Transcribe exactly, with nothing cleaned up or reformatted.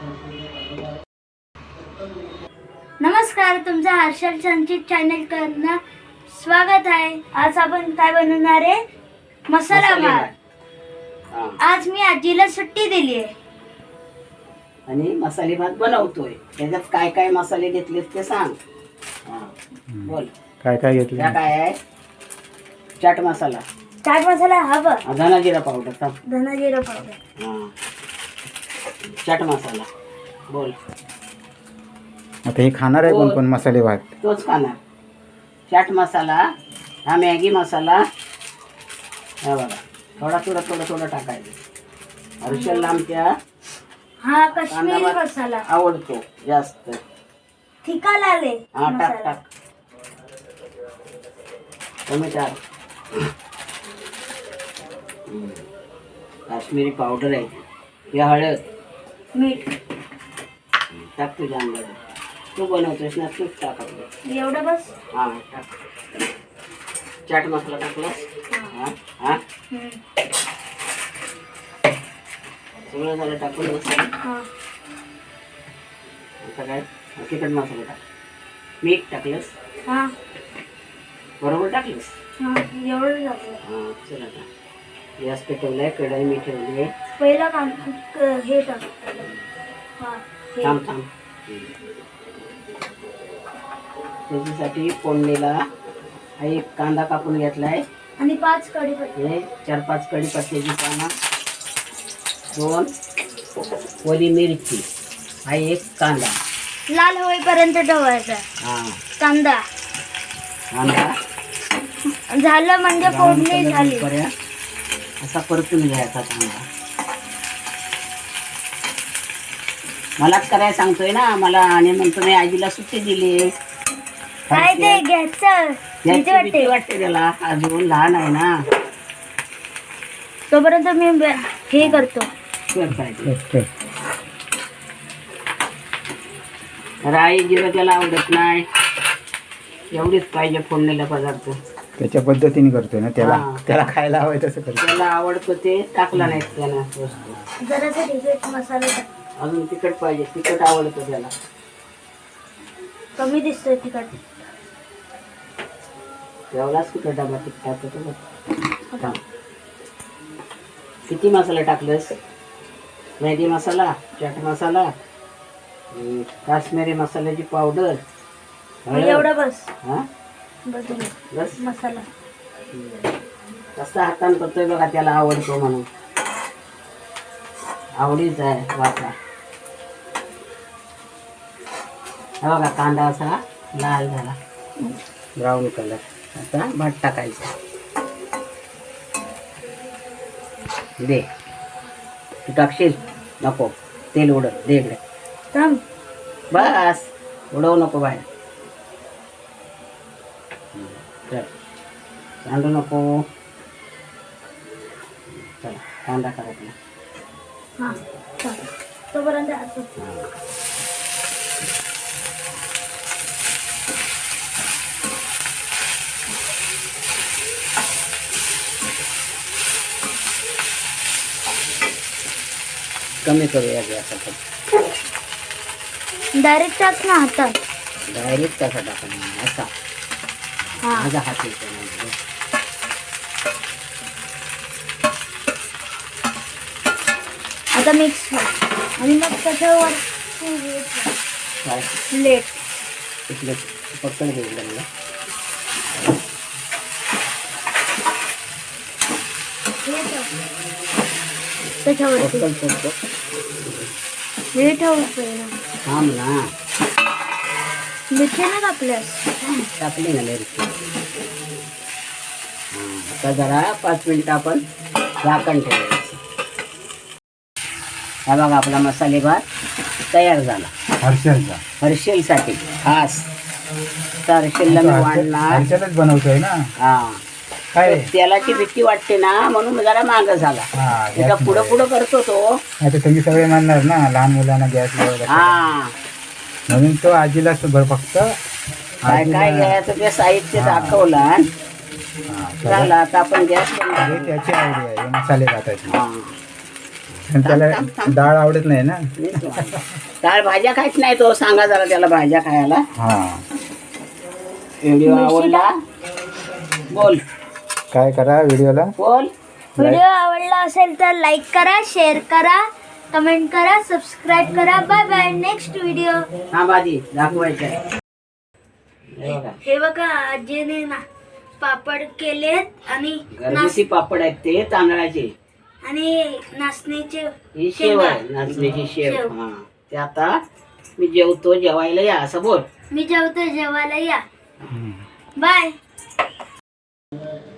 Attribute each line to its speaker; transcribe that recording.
Speaker 1: नमस्कार, तुमचं हर्षल संचित चॅनल करणं स्वागत आहे. आज आपण काय बनवणार आहे? मसाला भात. आज मी आजीला सुट्टी दिली आहे
Speaker 2: आणि मसाले भात बनवतोय. त्याच्यात काय काय मसाले घेतलेत ते सांग. बोल
Speaker 3: काय काय घेतलं?
Speaker 2: त्या काय आहे? चाट मसाला,
Speaker 1: चाट मसाला हवं,
Speaker 2: धना जिरा पावडर,
Speaker 1: धना जिरा पावडर,
Speaker 2: हा चाट मसाला. बोल
Speaker 3: आता हे खाणार आहे कोण कोण मसाले भात?
Speaker 2: तोच खाणार. चाट मसाला, हा मॅगी मसाला, हा बघा थोडा थोडा थोडा थोडा टाकायचं. हर्षलला आमच्या
Speaker 1: हा काश्मीरी
Speaker 2: कांदा भात
Speaker 1: मसाला
Speaker 2: आवडतो जास्त.
Speaker 1: तिखा लाले
Speaker 2: हा टाक
Speaker 1: मसाला.
Speaker 2: टाक कमी टाक. हम्म. काश्मीरी पावडर आहे, हे हळद,
Speaker 1: मीठ
Speaker 2: टाक तुझ्या अंगावर. तू बनवतोस ना, तूच टाक आपलं.
Speaker 1: एवढं बस.
Speaker 2: हा टाक. चाट मसाला टाकलास. हा हा
Speaker 1: हम्म.
Speaker 2: सगळं झालं टाकून बस.
Speaker 1: हा.
Speaker 2: आता काय तिखट मसाला टाक. मीठ टाकलंस,
Speaker 1: हा
Speaker 2: बरोबर टाकलंस.
Speaker 1: हा एवढं टाकलं.
Speaker 2: हा चला आता गॅस पेटवलाय, कढई मी ठेवली आहे.
Speaker 1: पहिला काम हे टाक. हा हे.
Speaker 2: थांब थांब. त्याच्यासाठी फोडणीला हा एक कांदा कापून घेतलाय,
Speaker 1: आणि पाच कढीपत्ता.
Speaker 2: हे चार पाच कढीपत्त्याची पानं, दोन ओली मिरची, हा एक कांदा.
Speaker 1: लाल होईपर्यंत ठेवायचा
Speaker 2: हा
Speaker 1: कांदा.
Speaker 2: कांदा
Speaker 1: झालं म्हणजे
Speaker 2: ब्राऊन
Speaker 1: फोडणी
Speaker 2: कलर
Speaker 1: झाली.
Speaker 2: होईपर्यंत असा परतून घ्यायचा कांदा. मलाच करायला सांगतोय ना मला, आणि म्हणतो मी आजीला सुट्टी दिली.
Speaker 1: काय ते घ्यायचं भीती
Speaker 2: याची भीती
Speaker 1: वाटते.
Speaker 2: वाटते त्याला, अजून लहान आहे ना.
Speaker 1: तोपर्यंत मी ब- हे करतो.
Speaker 2: कर पाहिजे. राई जिरं त्याला आवडत नाही, एवढीच पाहिजे फोडणीला पदार्थ.
Speaker 3: त्याच्या पद्धतीने करतोय ना त्याला,
Speaker 2: हा.
Speaker 3: त्याला खायला हवंय तसं करतो.
Speaker 2: त्याला आवडतं ते टाकला नाही त्यानं वस्तू.
Speaker 1: जरासा तिखट मसाला टाक.
Speaker 2: अजून तिखट पाहिजे, तिखट आवडतं त्याला.
Speaker 1: कमी दिसतोय तिखट.
Speaker 2: एवढाच तिखट डबा तिखटाचा तो बघ. थांब. किती मसाला टाकलंस? मॅगी मसाला, चाट मसाला, अं, काश्मीरी मसाल्याची पावडर, हळद.
Speaker 1: एवढं बस.
Speaker 2: हा
Speaker 1: बस झालं.
Speaker 2: बस.
Speaker 1: मसाला
Speaker 2: कसा हातान करतोय बघा, त्याला आवडतो म्हणून. आवडीच आहे वाटा. हा बघा कांदा असा लाल झाला, ब्राऊन कलर. आता भात टाकायचा. दे तू टाकशील? नको, तेल उडत. दे इकडे.
Speaker 1: थांब.
Speaker 2: बस, उडवू नको बाहेर. चल सांडू नको. चला कांदा करायचा.
Speaker 1: हा चाल. तोपर्यंत असं.
Speaker 2: कमी करूया गॅस.
Speaker 1: डायरेक्ट टाक ना हातात.
Speaker 2: डायरेक्ट कसा टाकायचा असा.
Speaker 1: हा
Speaker 2: माझा हात येतो नाही.
Speaker 1: आता मिक्स कर. आणि मग त्याच्यावर
Speaker 2: काय
Speaker 1: प्लेट.
Speaker 2: इथलं पटकन घेऊन मला.
Speaker 1: त्याच्यावरती
Speaker 2: पटकन करतो.
Speaker 1: हे ठेवतो.
Speaker 2: थांब ना,
Speaker 1: मिरची ना कापल्यास.
Speaker 2: टाकली ना मिरची. हां आता जरा पाच मिनिटं आपण झाकण ठेवायचं. हा बघा आपला मसाले भात तयार झाला.
Speaker 3: हर्षलचा
Speaker 2: हर्षलसाठी खास. तर हर्षलला मी वाढणार.
Speaker 3: हर्षलच बनवतोय ना.
Speaker 2: हा
Speaker 3: काय
Speaker 2: तेलाची भीती वाटते ना, म्हणून जरा मागं झाला.
Speaker 3: हा
Speaker 2: त्याचा पुढं पुढं करतो तो.
Speaker 3: आता तुम्ही सगळे म्हणणार ना लहान मुलांना गॅस
Speaker 2: हा
Speaker 3: म्हणून तो आजीला भर फक्त
Speaker 2: काय काय घ्यायचं ते साहित्य दाखवलं.
Speaker 3: हा,
Speaker 2: झालं आता आपण गॅस बंद
Speaker 3: हे
Speaker 2: करू.
Speaker 3: त्याची आवडी आहे मसाले भाताची.
Speaker 2: हा
Speaker 3: त्याला
Speaker 2: थांब, थांब.
Speaker 3: डाळ आवडत नाही ना.
Speaker 2: डाळ भाज्या खायच नाही तो, सांगा जरा त्याला भाज्या खायला.
Speaker 3: हा,
Speaker 2: व्हिडिओ आवडला बोल,
Speaker 3: काय करा व्हिडिओला.
Speaker 2: बोल.
Speaker 1: व्हिडिओ आवडला असेल तर लाईक करा, शेअर करा, कमेंट करा, सबस्क्राईब करा. Bye bye. Next video.
Speaker 2: हा बाजी दाखवायचं आहे. हे बघा,
Speaker 1: हे बघा आजीने ना पापड केलेत आणि
Speaker 2: घरगुती पापड आहेत ते तांदळाचे.
Speaker 1: आणि नाचणीचे
Speaker 2: ही शेव आहे, नाचणीची शेव.
Speaker 1: शेव.
Speaker 2: हा, ते आता मी जेवतो, जेवायला या असं बोल.
Speaker 1: मी जेवतो, जेवायला या. बाय.